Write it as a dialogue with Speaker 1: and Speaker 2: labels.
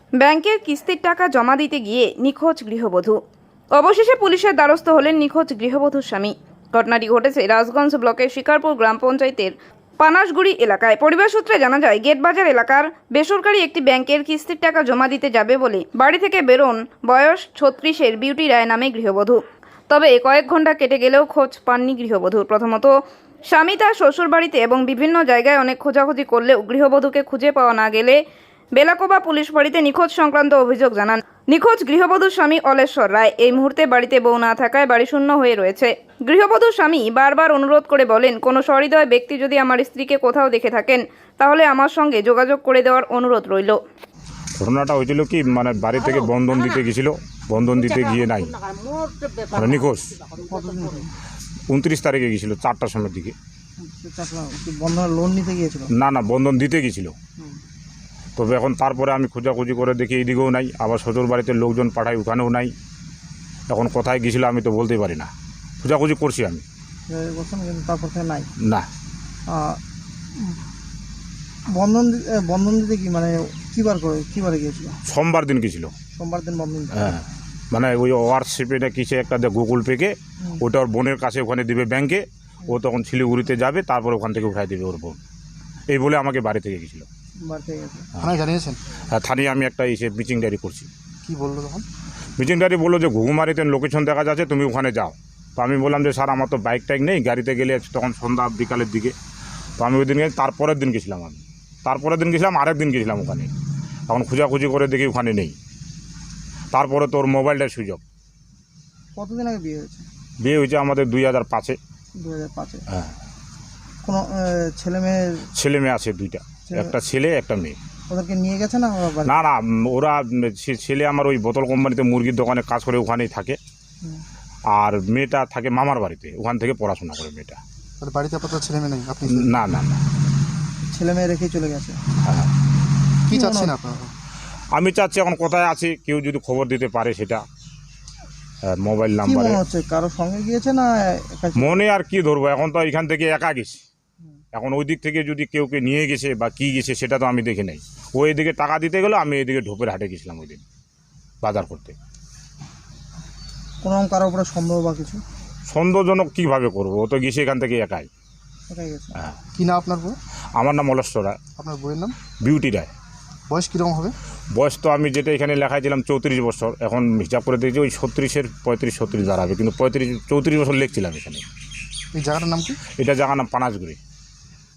Speaker 1: ব্যাংকের কিস্তির টাকা জমা দিতে গিয়ে নিখোঁজ গৃহবধূ। অবশেষে পুলিশের দ্বারস্থ হলেন নিখোঁজ গৃহবধূর স্বামী। ঘটনাটি ঘটেছে রাজগঞ্জ ব্লকের শিকারপুর গ্রাম পঞ্চায়েতের পানাশগুড়ি এলাকায়। পরিবার সূত্রে জানা যায়, গেটবাজার এলাকার বেসরকারি একটি ব্যাংকের কিস্তির টাকা জমা দিতে যাবে বলে বাড়ি থেকে বেরোন বয়স 36-এর বিউটি রায় নামে গৃহবধূ। তবে কয়েক ঘন্টা কেটে গেলেও খোঁজ পাননি গৃহবধূর। প্রথমত স্বামী তার শ্বশুর বাড়িতে এবং বিভিন্ন জায়গায় অনেক খোঁজাখুঁজি করলেও গৃহবধূকে খুঁজে পাওয়া না গেলে বেলাকোবা পুলিশ ফাঁড়িতে নিখোঁজ সংক্রান্ত অভিযোগ জানান নিখোঁজ গৃহবধূর স্বামী অলেশ্বর রায়। এই মুহূর্তে বাড়িতে বউ না থাকায় বাড়ি শূন্য হয়ে রয়েছে। গৃহবধূর স্বামী বারবার অনুরোধ করে বলেন, কোনো সহৃদয় ব্যক্তি যদি আমার স্ত্রীকে কোথাও দেখে থাকেন তাহলে আমার সঙ্গে যোগাযোগ করে দেওয়ার অনুরোধ রইল।
Speaker 2: ঘটনাটা হয়েছিল কি, মানে বাড়ি থেকে বন্ধন দিতে গেছিল, বন্ধন দিতে গিয়ে নাই, মানে নিখোঁজ। 29 তারিখে গেছিল 4টার সময়ের দিকে।
Speaker 3: বন্ধনের লোন নিতে গিয়েছিল?
Speaker 2: না, বন্ধন দিতে গেছিল। তবে এখন তারপরে আমি খোঁজাখুঁজি করে দেখি এইদিকেও নাই, আবার শ্বশুর বাড়িতে লোকজন পাঠাই, ওখানেও নাই। এখন কোথায় গেছিল আমি তো বলতেই পারি না। খোঁজাখুঁজি করছি আমি,
Speaker 3: তারপর থেকে নাই
Speaker 2: না।
Speaker 3: বন্ধন দিতে কি মানে কিবারে গিয়েছিল?
Speaker 2: সোমবার দিন গেছিল।
Speaker 3: সোমবার দিন বন্ধন দিতে?
Speaker 2: হ্যাঁ, মানে ওই হোয়াটসঅ্যাপে না কিসে একটা গুগল পেকে ওটা ওর বোনের কাছে ওখানে দিবে ব্যাংকে। ও তখন শিলিগুড়িতে যাবে, তারপর ওখান থেকে উঠাই দেবে ওর বোন। এই বলে আমাকে বাড়ি থেকে গেছিলো।
Speaker 3: বাড়ি থেকে গেছে?
Speaker 4: থানায় জানিয়েছেন?
Speaker 2: হ্যাঁ, থানায় আমি একটা এসে মিটিং ডায়েরি করছি।
Speaker 4: কি বললো তখন?
Speaker 2: মিটিং ডায়েরি বললো যে ঘুঘুমারিতে লোকেশন দেখা যাচ্ছে, তুমি ওখানে যাও। তো আমি বললাম যে স্যার আমার তো বাইক টাইক নেই, গাড়িতে গেলে তখন সন্ধ্যা বিকালের দিকে। তো আমি ওই দিন তারপরের দিন গেছিলাম, আরেক দিন গেছিলাম ওখানে। এখন খোঁজাখুঁজি করে দেখি ওখানে নেই। তারপরে তোর মোবাইলটার সুযোগ।
Speaker 3: কতদিন আগে বিয়ে হয়েছে?
Speaker 2: বিয়ে হয়েছে আমাদের 2005-এ।
Speaker 3: 2005-এ?
Speaker 2: হ্যাঁ।
Speaker 3: কোনো ছেলে মেয়ে
Speaker 2: আছে 2টা, একটা ছেলে একটা মেয়ে।
Speaker 3: ওদেরকে নিয়ে গেছে না?
Speaker 2: না, ওরা ছেলে আমার ওই বোতল কোম্পানিতে মুরগির দোকানে কাজ করে, ওখানেই থাকে। আর মেয়েটা থাকে মামার বাড়িতে, ওখান থেকে পড়াশোনা করে মেয়েটা।
Speaker 4: বাড়িতে আপাতত ছেলে মেয়ে নেই? আপনি
Speaker 2: না,
Speaker 3: ছেলে মেয়ে রেখেই চলে গেছে?
Speaker 2: হ্যাঁ।
Speaker 4: কি চাচ্ছেন আপনারা?
Speaker 2: আমি চাচ্ছি এখন কোথায় আছে কেউ যদি খবর দিতে পারে সেটা, মোবাইল নাম্বারে।
Speaker 3: মনে হচ্ছে কারো সঙ্গে গিয়েছে না
Speaker 2: মনে আর কি ধরবো, এখন তো এখান থেকে একা গেছি। এখন ওই দিক থেকে যদি কেউকে নিয়ে গেছে বা কি গেছে সেটা তো আমি দেখি নাই। ও এদিকে টাকা দিতে গেলো, আমি এদিকে ঢোপের হাটে গেছিলাম ওই দিন বাজার করতে।
Speaker 3: কোনো কারো উপরে সন্দেহ বা কিছু?
Speaker 2: সন্দেহজনক কীভাবে করবো, ও তো গেছে এখান থেকে একাই।
Speaker 3: গেছে?
Speaker 2: হ্যাঁ।
Speaker 4: কি না আপনার বউ?
Speaker 2: আমার নাম অলেশ্বর রায়।
Speaker 4: আপনার বউয়ের নাম?
Speaker 2: বিউটি রায়।
Speaker 4: বয়স কীরকম হবে?
Speaker 2: বয়স তো আমি যেটা এখানে লেখাইছিলাম 34 বছর, এখন হিসাব করে দিয়েছি ওই 36-এর 35-36 দাঁড়াবে, কিন্তু 34 বছর লিখছিলাম এখানে।
Speaker 4: এই জায়গাটার নাম কি?
Speaker 2: এটা জায়গার নাম পানাশগুড়ি।